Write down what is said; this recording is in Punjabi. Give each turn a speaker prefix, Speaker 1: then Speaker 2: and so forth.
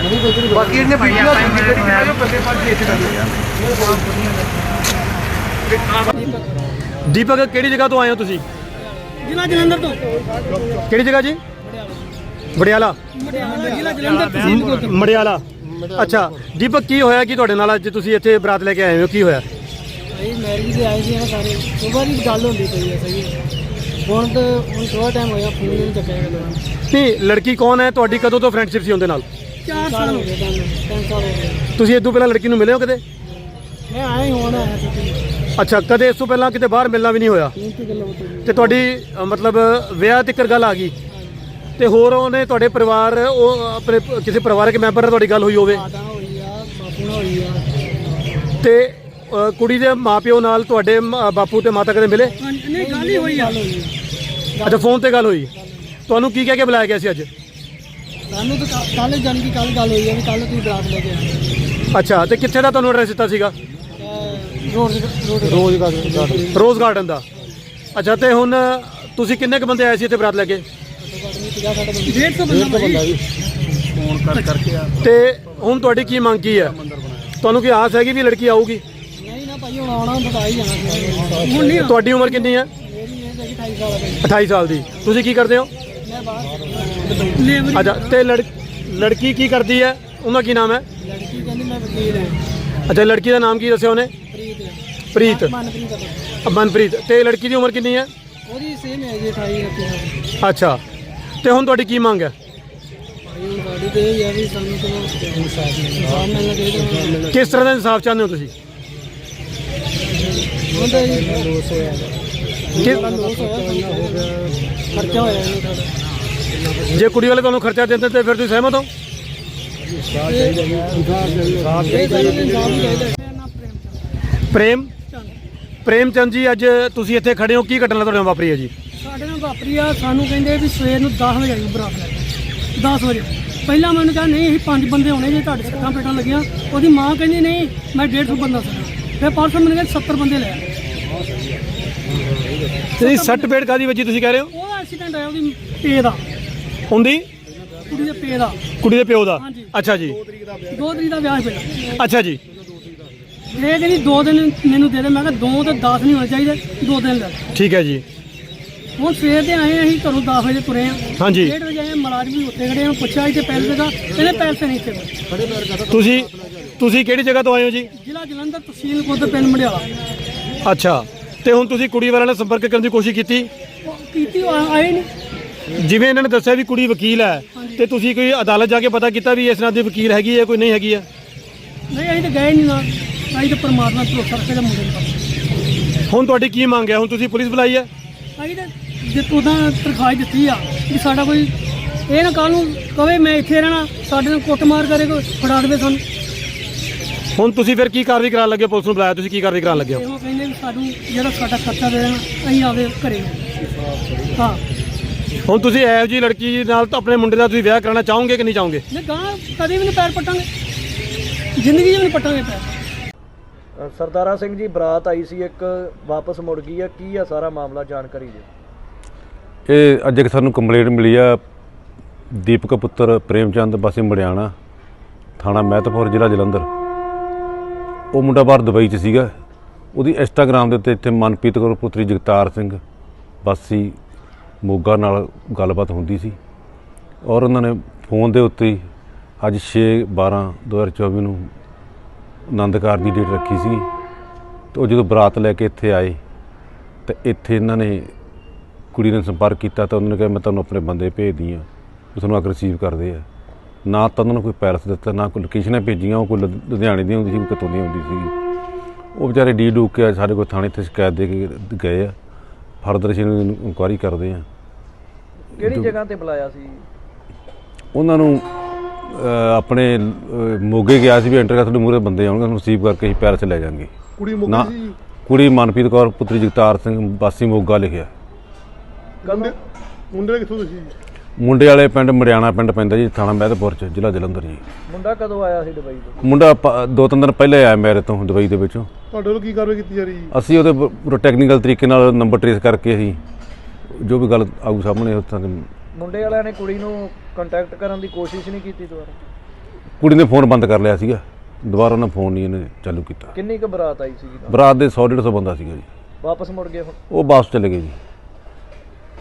Speaker 1: ਬਾਕੀ ਇਹਨੇ
Speaker 2: दीपक ਕਿਹੜੀ ਜਗ੍ਹਾ ਤੋਂ ਆਏ ਹੋ ਤੁਸੀਂ?
Speaker 3: ਜ਼ਿਲ੍ਹਾ ਜਲੰਧਰ ਤੋਂ।
Speaker 2: ਕਿਹੜੀ ਜਗ੍ਹਾ ਜੀ? ਮੜਿਆਲਾ।
Speaker 3: ਜ਼ਿਲ੍ਹਾ ਜਲੰਧਰ ਤਹਿਸੀਲ
Speaker 2: ਮੜਿਆਲਾ। ਅੱਛਾ ਦੀਪਕ ਕੀ ਹੋਇਆ ਕਿ ਤੁਹਾਡੇ ਨਾਲ ਅੱਜ ਤੁਸੀਂ ਇੱਥੇ ਬਰਾਤ ਲੈ ਕੇ ਆਏ ਹੋ, ਕੀ ਹੋਇਆ?
Speaker 3: ਭਾਈ ਮੈਰਿਜ ਦੇ ਆਏ ਸੀ ਨਾ ਸਾਰੇ, ਸੁਬਾਹ ਦੀ ਗੱਲ ਹੁੰਦੀ ਪਈ ਹੈ। ਸਹੀ ਹੈ ਹੁਣ ਥੋੜਾ ਟਾਈਮ ਹੋਇਆ, ਫੋਨ ਨਹੀਂ ਚੱਕਿਆ ਗਿਆ।
Speaker 2: ਨਹੀਂ ਲੜਕੀ ਕੌਣ ਹੈ ਤੁਹਾਡੀ? ਕਦੋਂ ਤੋਂ ਫਰੈਂਡਸ਼ਿਪ ਸੀ ਉਹਦੇ ਨਾਲ?
Speaker 3: 4 ਸਾਲ ਹੋ ਗਏ, 3 ਸਾਲ ਹੋ ਗਏ।
Speaker 2: ਤੁਸੀਂ ਇਸ ਤੋਂ ਪਹਿਲਾਂ ਲੜਕੀ ਨੂੰ ਮਿਲੇ ਹੋ ਕਦੇ?
Speaker 3: ਮੈਂ ਆਇਆ ਹੀ ਹੁਣ ਆਇਆ ਸੀ।
Speaker 2: ਅੱਛਾ ਕਦੇ ਇਸ ਤੋਂ ਪਹਿਲਾਂ ਕਿਤੇ ਬਾਹਰ ਮਿਲਣਾ ਵੀ ਨਹੀਂ ਹੋਇਆ ਤੇ ਤੁਹਾਡੀ ਮਤਲਬ ਵਿਆਹ ਤੱਕ ਗੱਲ ਆ ਗਈ ਤੇ ਹੋਰ ਉਹਨੇ ਤੁਹਾਡੇ ਪਰਿਵਾਰ ਉਹ ਆਪਣੇ ਕਿਸੇ ਪਰਿਵਾਰਕ ਮੈਂਬਰ ਨਾਲ ਤੁਹਾਡੀ ਗੱਲ ਹੋਈ ਹੋਵੇ ਤੇ ਕੁੜੀ ਦੇ ਮਾਪਿਓ ਨਾਲ ਤੁਹਾਡੇ ਬਾਪੂ ਤੇ ਮਾਤਾ ਕਦੇ ਮਿਲੇ?
Speaker 3: ਨਹੀਂ ਗੱਲ ਹੀ ਹੋਈ ਆ।
Speaker 2: ਅੱਛਾ ਫੋਨ ਤੇ ਗੱਲ ਹੋਈ। ਤੁਹਾਨੂੰ ਕੀ ਕਹਿ ਕੇ ਬੁਲਾਇਆ ਗਿਆ ਸੀ ਅੱਜ?
Speaker 3: ਸਾਨੂੰ ਤਾਂ ਕੱਲ ਜਾਣ ਦੀ ਕੱਲ ਗੱਲ ਹੋਈ ਹੈ ਵੀ ਕੱਲ ਤੁਸੀਂ ਬਰਾਤ ਲੈ ਕੇ ਆਏ।
Speaker 2: ਅੱਛਾ ਤੇ ਕਿੱਥੇ ਦਾ ਤੁਹਾਨੂੰ ਐਡਰੈਸ ਦਿੱਤਾ ਸੀਗਾ? ਰੋਜ਼ ਗਾਰਡਨ ਦਾ। ਅੱਛਾ ਤੇ ਹੁਣ ਤੁਸੀਂ ਕਿੰਨੇ ਕੁ ਬੰਦੇ ਆਏ ਸੀ ਇੱਥੇ ਬਰਾਤ ਲੈ ਕੇ?
Speaker 3: 150 ਬੰਦਾ
Speaker 1: ਫੋਨ ਕਰਕੇ ਆ।
Speaker 2: ਤੇ ਹੁਣ ਤੁਹਾਡੀ ਕੀ ਮੰਗ ਕੀ ਹੈ? ਤੁਹਾਨੂੰ ਕੀ ਆਸ ਹੈਗੀ ਵੀ ਲੜਕੀ ਆਊਗੀ?
Speaker 3: ਨਹੀਂ ਨਾ ਭਾਈ, ਹੁਣ ਆਉਣਾ ਹੁੰਦਾ ਤਾਂ ਹੀ ਜਾਣਾ ਸੀ। ਹੁਣ ਨਹੀਂ।
Speaker 2: ਤੁਹਾਡੀ ਉਮਰ ਕਿੰਨੀ ਹੈ?
Speaker 3: ਮੇਰੀ ਏਜ ਹੈਗੀ 28 ਸਾਲ ਹੈ।
Speaker 2: 28 ਸਾਲ ਦੀ। ਤੁਸੀਂ ਕੀ ਕਰਦੇ ਹੋ?
Speaker 3: ਮੈਂ ਬਾਹਰ ਲੇਬਰ।
Speaker 2: ਅੱਛਾ ਤੇ ਲੜਕੀ ਕੀ ਕਰਦੀ ਹੈ? ਉਹਦਾ ਕੀ ਨਾਮ ਹੈ?
Speaker 3: ਲੜਕੀ ਕਹਿੰਦੀ ਮੈਂ ਵਕੀਲ ਹਾਂ।
Speaker 2: ਅੱਛਾ ਲੜਕੀ ਦਾ ਨਾਮ ਕੀ ਦੱਸਿਆ ਉਹਨੇ? ਪ੍ਰੀਤ। ਮਨਪ੍ਰੀਤ। ਤੇ ਲੜਕੀ ਦੀ ਉਮਰ ਕਿੰਨੀ ਹੈ?
Speaker 3: ਉਹਦੀ ਸੇਮ ਹੈ ਜੀ, 28 29।
Speaker 2: ਅੱਛਾ ਤੇ ਹੁਣ ਤੁਹਾਡੀ ਕੀ ਮੰਗ ਹੈ?
Speaker 3: ਭਾਈ ਗਾੜੀ ਤੇ ਇਹ ਹੈ ਵੀ ਸਾਨੂੰ ਤੋਂ ਇਨਸਾਫ ਮਿਲਣਾ ਚਾਹੀਦਾ।
Speaker 2: ਕਿਸ ਤਰ੍ਹਾਂ ਦਾ ਇਨਸਾਫ ਚਾਹੁੰਦੇ ਹੋ ਤੁਸੀਂ?
Speaker 3: ਹੁੰਦਾ ਜੀ ਲੋਸ ਹੋਇਆ, ਖਰਚਾ ਹੋਇਆ ਨਹੀਂ ਸਾਡਾ।
Speaker 2: ਜੇ ਕੁੜੀ ਵਾਲੇ ਤੁਹਾਨੂੰ ਖਰਚਾ ਦਿੰਦੇ ਤੇ ਫਿਰ ਤੁਸੀਂ ਸਹਿਮਤ ਹੋ? ਪ੍ਰੇਮ ਚੰਦ ਜੀ ਅੱਜ ਤੁਸੀਂ ਇੱਥੇ ਖੜੇ ਹੋ, ਕੀ ਘਟਨਾ ਤੁਹਾਡੇ ਨਾਲ ਵਾਪਰੀ ਹੈ ਜੀ?
Speaker 3: ਸਾਡੇ ਨਾਲ ਵਾਪਰੀ ਆ, ਸਾਨੂੰ ਕਹਿੰਦੇ ਵੀ ਸਵੇਰ ਨੂੰ 10 ਵਜੇ ਆਈ ਬਰਾਤ ਲੈ ਕੇ। 10 ਵਜੇ ਪਹਿਲਾਂ ਮੈਨੂੰ ਕਿਹਾ ਨਹੀਂ ਅਸੀਂ 5 ਬੰਦੇ ਹੋਣੇ ਜੇ ਤੁਹਾਡੇ ਸੱਟਾਂ ਪੇਟਾਂ ਲੱਗੀਆਂ। ਉਹਦੀ ਮਾਂ ਕਹਿੰਦੀ ਨਹੀਂ ਮੈਂ 150 ਬੰਦਾ ਸੀ। ਫਿਰ ਪਰਸੋਂ ਮੈਨੂੰ ਕਹਿੰਦੇ 70 ਬੰਦੇ ਲੈ ਆਏ।
Speaker 2: ਤੁਸੀਂ ਸੱਟ ਪੇਟ ਕਾਦੀ ਵੱਜੀ ਤੁਸੀਂ ਕਹਿ ਰਹੇ ਹੋ?
Speaker 3: ਉਹ ਐਕਸੀਡੈਂਟ ਆਇਆ ਉਹਦੀ ਪੇ ਦਾ,
Speaker 2: ਹੁੰਦੀ
Speaker 3: ਕੁੜੀ ਦੇ ਪੇ ਦਾ,
Speaker 2: ਕੁੜੀ ਦੇ ਪਿਓ ਦਾ।
Speaker 3: ਹਾਂਜੀ।
Speaker 2: ਅੱਛਾ ਜੀ।
Speaker 3: 2 ਤਰੀਕ ਦਾ ਵਿਆਹ ਪਿਆ।
Speaker 2: ਅੱਛਾ ਜੀ।
Speaker 3: ਇਹ ਕਹਿੰਦੀ 2 ਦਿਨ ਮੈਨੂੰ ਦੇ ਦੇ। ਮੈਂ ਕਿਹਾ 2 ਤੇ 10 ਨਹੀਂ ਹੋਣੇ ਚਾਹੀਦੇ, 2 ਦਿਨ ਲੈ।
Speaker 2: ਠੀਕ ਹੈ ਜੀ।
Speaker 3: ਹੁਣ ਸਵੇਰ ਦੇ ਆਏ ਅਸੀਂ ਘਰੋਂ 10 ਵਜੇ ਤੁਰੇ ਆ।
Speaker 2: ਹਾਂਜੀ।
Speaker 3: 1:30 ਵਜੇ ਆਏ, ਮੁਲਾਜ਼ਮ ਵੀ ਉੱਥੇ ਖੜੇ ਆ। ਪੁੱਛਿਆ ਇੱਥੇ ਪੈਸੇ ਦਾ, ਕਹਿੰਦੇ ਪੈਸੇ ਨਹੀਂ ਇੱਥੇ।
Speaker 2: ਤੁਸੀਂ ਕਿਹੜੀ ਜਗ੍ਹਾ ਤੋਂ ਆਏ ਹੋ ਜੀ?
Speaker 3: ਜ਼ਿਲ੍ਹਾ ਜਲੰਧਰ, ਤਹਿਸੀਲ ਖੁਦ, ਪਿੰਡ ਮੜਿਆਲਾ।
Speaker 2: ਅੱਛਾ ਤੇ ਹੁਣ ਤੁਸੀਂ ਕੁੜੀ ਵਾਲਿਆਂ ਨਾਲ ਸੰਪਰਕ ਕਰਨ ਦੀ ਕੋਸ਼ਿਸ਼ ਕੀਤੀ?
Speaker 3: ਕੀਤੀ, ਆਏ ਨਹੀਂ।
Speaker 2: ਜਿਵੇਂ ਇਹਨਾਂ ਨੇ ਦੱਸਿਆ ਵੀ ਕੁੜੀ ਵਕੀਲ ਹੈ ਤੇ ਤੁਸੀਂ ਕੋਈ ਅਦਾਲਤ ਜਾ ਕੇ ਪਤਾ ਕੀਤਾ ਵੀ ਇਸ ਨਾਲ ਦੀ ਵਕੀਲ ਹੈਗੀ ਹੈ ਕੋਈ ਨਹੀਂ ਹੈਗੀ ਹੈ?
Speaker 3: ਨਹੀਂ ਅਸੀਂ ਤਾਂ ਗਏ ਨਹੀਂ ਨਾ, ਅਸੀਂ ਤਾਂ ਪਰਮਾਤਮਾ ਤੋਂ ਭਰੋਸਾ ਰੱਖੇ ਦਾ ਮੁੰਡੇ ਨੂੰ।
Speaker 2: ਹੁਣ ਤੁਹਾਡੀ ਕੀ ਮੰਗ ਹੈ? ਹੁਣ ਤੁਸੀਂ ਪੁਲਿਸ ਬੁਲਾਈ ਹੈ?
Speaker 3: ਅਸੀਂ ਤਾਂ ਜੇ ਉਹਦਾ ਤਰਖਾਹ ਦਿੱਤੀ ਆ ਵੀ ਸਾਡਾ ਕੋਈ ਇਹ ਨਾ ਕੱਲ੍ਹ ਨੂੰ ਕਵੇ ਮੈਂ ਇੱਥੇ ਰਹਿਣਾ, ਸਾਡੇ ਨਾਲ ਕੁੱਟਮਾਰ ਕਰੇ, ਕੋਈ ਫੜਾ ਦੇਵੇ ਸਾਨੂੰ।
Speaker 2: ਹੁਣ ਤੁਸੀਂ ਫਿਰ ਕੀ ਕਾਰਵਾਈ ਕਰਾਉਣ ਲੱਗੇ? ਪੁਲਿਸ ਨੂੰ ਬੁਲਾਇਆ, ਤੁਸੀਂ ਕੀ ਕਾਰਵਾਈ ਕਰਾਉਣ ਲੱਗੇ ਹੋ?
Speaker 3: ਇਹੋ ਕਹਿੰਦੇ ਵੀ ਸਾਨੂੰ ਜਿਹੜਾ ਸਾਡਾ ਖਰਚਾ ਦੇ ਦੇਣਾ, ਅਸੀਂ ਆਵੇ ਘਰੇ। ਹਾਂ
Speaker 2: ਹੁਣ ਤੁਸੀਂ ਇਹੋ ਜਿਹੀ ਲੜਕੀ ਨਾਲ ਤਾਂ ਆਪਣੇ ਮੁੰਡੇ ਦਾ ਤੁਸੀਂ ਵਿਆਹ ਕਰਾਉਣਾ ਚਾਹੋਗੇ ਕਿ ਨਹੀਂ ਚਾਹੋਗੇ?
Speaker 3: ਨਹੀਂ, ਗਾਂ ਕਦੇ ਵੀ ਨਹੀਂ ਪੈਰ ਪੱਟਾਂਗੇ, ਜ਼ਿੰਦਗੀ 'ਚ ਵੀ ਨਹੀਂ ਪੱਟਾਂਗੇ ਪੈਰ।
Speaker 1: ਸਰਦਾਰਾ ਸਿੰਘ ਜੀ ਬਰਾਤ ਆਈ ਸੀ ਇੱਕ, ਵਾਪਸ ਮੁੜ ਗਈ ਆ, ਕੀ ਆ ਸਾਰਾ ਮਾਮਲਾ, ਜਾਣਕਾਰੀ ਦਿਓ।
Speaker 4: ਇਹ ਅੱਜ ਇੱਕ ਸਾਨੂੰ ਕੰਪਲੇਂਟ ਮਿਲੀ ਆ ਦੀਪਕ ਪੁੱਤਰ ਪ੍ਰੇਮ ਚੰਦ ਵਾਸੀ ਮੜਿਆਣਾ, ਥਾਣਾ ਮਹਿਤਪੁਰ, ਜ਼ਿਲ੍ਹਾ ਜਲੰਧਰ। ਉਹ ਮੁੰਡਾ ਬਾਹਰ ਦੁਬਈ 'ਚ ਸੀਗਾ। ਉਹਦੀ ਇੰਸਟਾਗ੍ਰਾਮ ਦੇ ਉੱਤੇ ਇੱਥੇ ਮਨਪ੍ਰੀਤ ਕੌਰ ਪੁੱਤਰੀ ਜਗਤਾਰ ਸਿੰਘ ਵਾਸੀ ਮੋਗਾ ਨਾਲ ਗੱਲਬਾਤ ਹੁੰਦੀ ਸੀ ਔਰ ਉਹਨਾਂ ਨੇ ਫੋਨ ਦੇ ਉੱਤੇ ਹੀ ਅੱਜ 6/12/2024 ਨੂੰ ਆਨੰਦ ਕਾਰਜ ਦੀ ਡੇਟ ਰੱਖੀ ਸੀ ਤੇ ਉਹ ਜਦੋਂ ਬਰਾਤ ਲੈ ਕੇ ਇੱਥੇ ਆਏ ਤੇ ਇੱਥੇ ਇਹਨਾਂ ਨੇ ਕੁੜੀ ਨੇ ਸੰਪਰਕ ਕੀਤਾ ਤਾਂ ਉਹਨਾਂ ਨੇ ਕਿਹਾ ਮੈਂ ਤੁਹਾਨੂੰ ਆਪਣੇ ਬੰਦੇ ਭੇਜਦੀ ਹਾਂ, ਉਹ ਤੁਹਾਨੂੰ ਆ ਕੇ ਰਿਸੀਵ ਕਰਦੇ ਆ। ਨਾ ਤਾਂ ਉਹਨਾਂ ਨੂੰ ਕੋਈ ਪੈਲਸ ਦਿੱਤਾ, ਨਾ ਕੋਈ ਲੋਕੇਸ਼ਨਾਂ ਭੇਜੀਆਂ। ਉਹ ਕੋਈ ਲੁਧਿਆਣੇ ਦੀ ਹੁੰਦੀ ਸੀ, ਕੋਈ ਕਿਤੋਂ ਦੀ ਹੁੰਦੀ ਸੀ। ਉਹ ਵਿਚਾਰੇ ਡੀ ਡੂਕ ਕੇ ਸਾਡੇ ਕੋਲ ਥਾਣੇ 'ਤੇ ਸ਼ਿਕਾਇਤ ਦੇ ਕੇ ਗਏ ਆ। ਫਰਦਰ ਅਸੀਂ ਇਨਕੁਆਇਰੀ ਕਰਦੇ ਹਾਂ।
Speaker 1: ਕਿਹੜੀ ਜਗ੍ਹਾ ਤੇ ਬੁਲਾਇਆ ਸੀ
Speaker 4: ਉਹਨਾਂ ਨੂੰ? ਆਪਣੇ ਮੋਗੇ ਗਿਆ ਸੀ ਵੀ ਐਂਟਰ ਕਰ ਤੁਹਾਡੇ ਮੂਹਰੇ ਬੰਦੇ ਆਉਣਗੇ, ਉਹਨੂੰ ਰਿਸੀਵ ਕਰਕੇ ਅਸੀਂ ਪੈਲਸ ਲੈ ਜਾਵਾਂਗੇ। ਨਾ ਕੁੜੀ ਮਨਪ੍ਰੀਤ ਕੌਰ ਪੁੱਤਰੀ ਜਗਤਾਰ ਸਿੰਘ ਵਾਸੀ ਮੋਗਾ ਲਿਖਿਆ।
Speaker 2: ਮੁੰਡੇ ਕਿੱਥੋਂ ਤੁਸੀਂ?
Speaker 4: ਮੁੰਡੇ ਵਾਲੇ ਪਿੰਡ ਮੜਿਆਣਾ ਪਿੰਡ ਪੈਂਦਾ ਜੀ, ਥਾਣਾ ਮਹਿਤਪੁਰ 'ਚ, ਜ਼ਿਲ੍ਹਾ ਜਲੰਧਰ ਜੀ।
Speaker 1: ਮੁੰਡਾ ਕਦੋਂ ਆਇਆ ਸੀ ਦੁਬਈ ਤੋਂ?
Speaker 4: ਮੁੰਡਾ 2-3 ਦਿਨ ਪਹਿਲੇ ਆਇਆ ਮੇਰੇ ਤੋਂ ਦੁਬਈ ਦੇ ਵਿੱਚੋਂ।
Speaker 2: ਤੁਹਾਡੇ ਵੱਲੋਂ ਕੀ ਕਾਰਵਾਈ ਕੀਤੀ ਜਾ ਰਹੀ ਹੈ?
Speaker 4: ਅਸੀਂ ਉਹਦੇ ਪੂਰਾ ਟੈਕਨੀਕਲ ਤਰੀਕੇ ਨਾਲ ਨੰਬਰ ਟਰੇਸ ਕਰਕੇ ਅਸੀਂ ਜੋ ਵੀ ਗੱਲ ਆਊ ਸਾਹਮਣੇ ਉੱਥਾਂ ਦੇ।
Speaker 1: ਮੁੰਡੇ ਵਾਲਿਆਂ ਨੇ ਕੁੜੀ ਨੂੰ ਕੰਟੈਕਟ ਕਰਨ ਦੀ ਕੋਸ਼ਿਸ਼ ਨਹੀਂ ਕੀਤੀ ਦੁਬਾਰਾ?
Speaker 4: ਕੁੜੀ ਨੇ ਫੋਨ ਬੰਦ ਕਰ ਲਿਆ ਸੀਗਾ, ਦੁਬਾਰਾ ਉਹਨਾਂ ਫੋਨ ਨਹੀਂ ਇਹਨੇ ਚਾਲੂ ਕੀਤਾ।
Speaker 1: ਕਿੰਨੀ ਕੁ ਬਰਾਤ ਆਈ ਸੀਗੀ?
Speaker 4: ਬਰਾਤ ਦੇ 100-150 ਬੰਦਾ ਸੀਗਾ ਜੀ।
Speaker 1: ਵਾਪਸ ਮੁੜ ਗਏ ਹੁਣ?
Speaker 4: ਉਹ ਵਾਪਸ ਚਲੇ ਗਏ ਜੀ।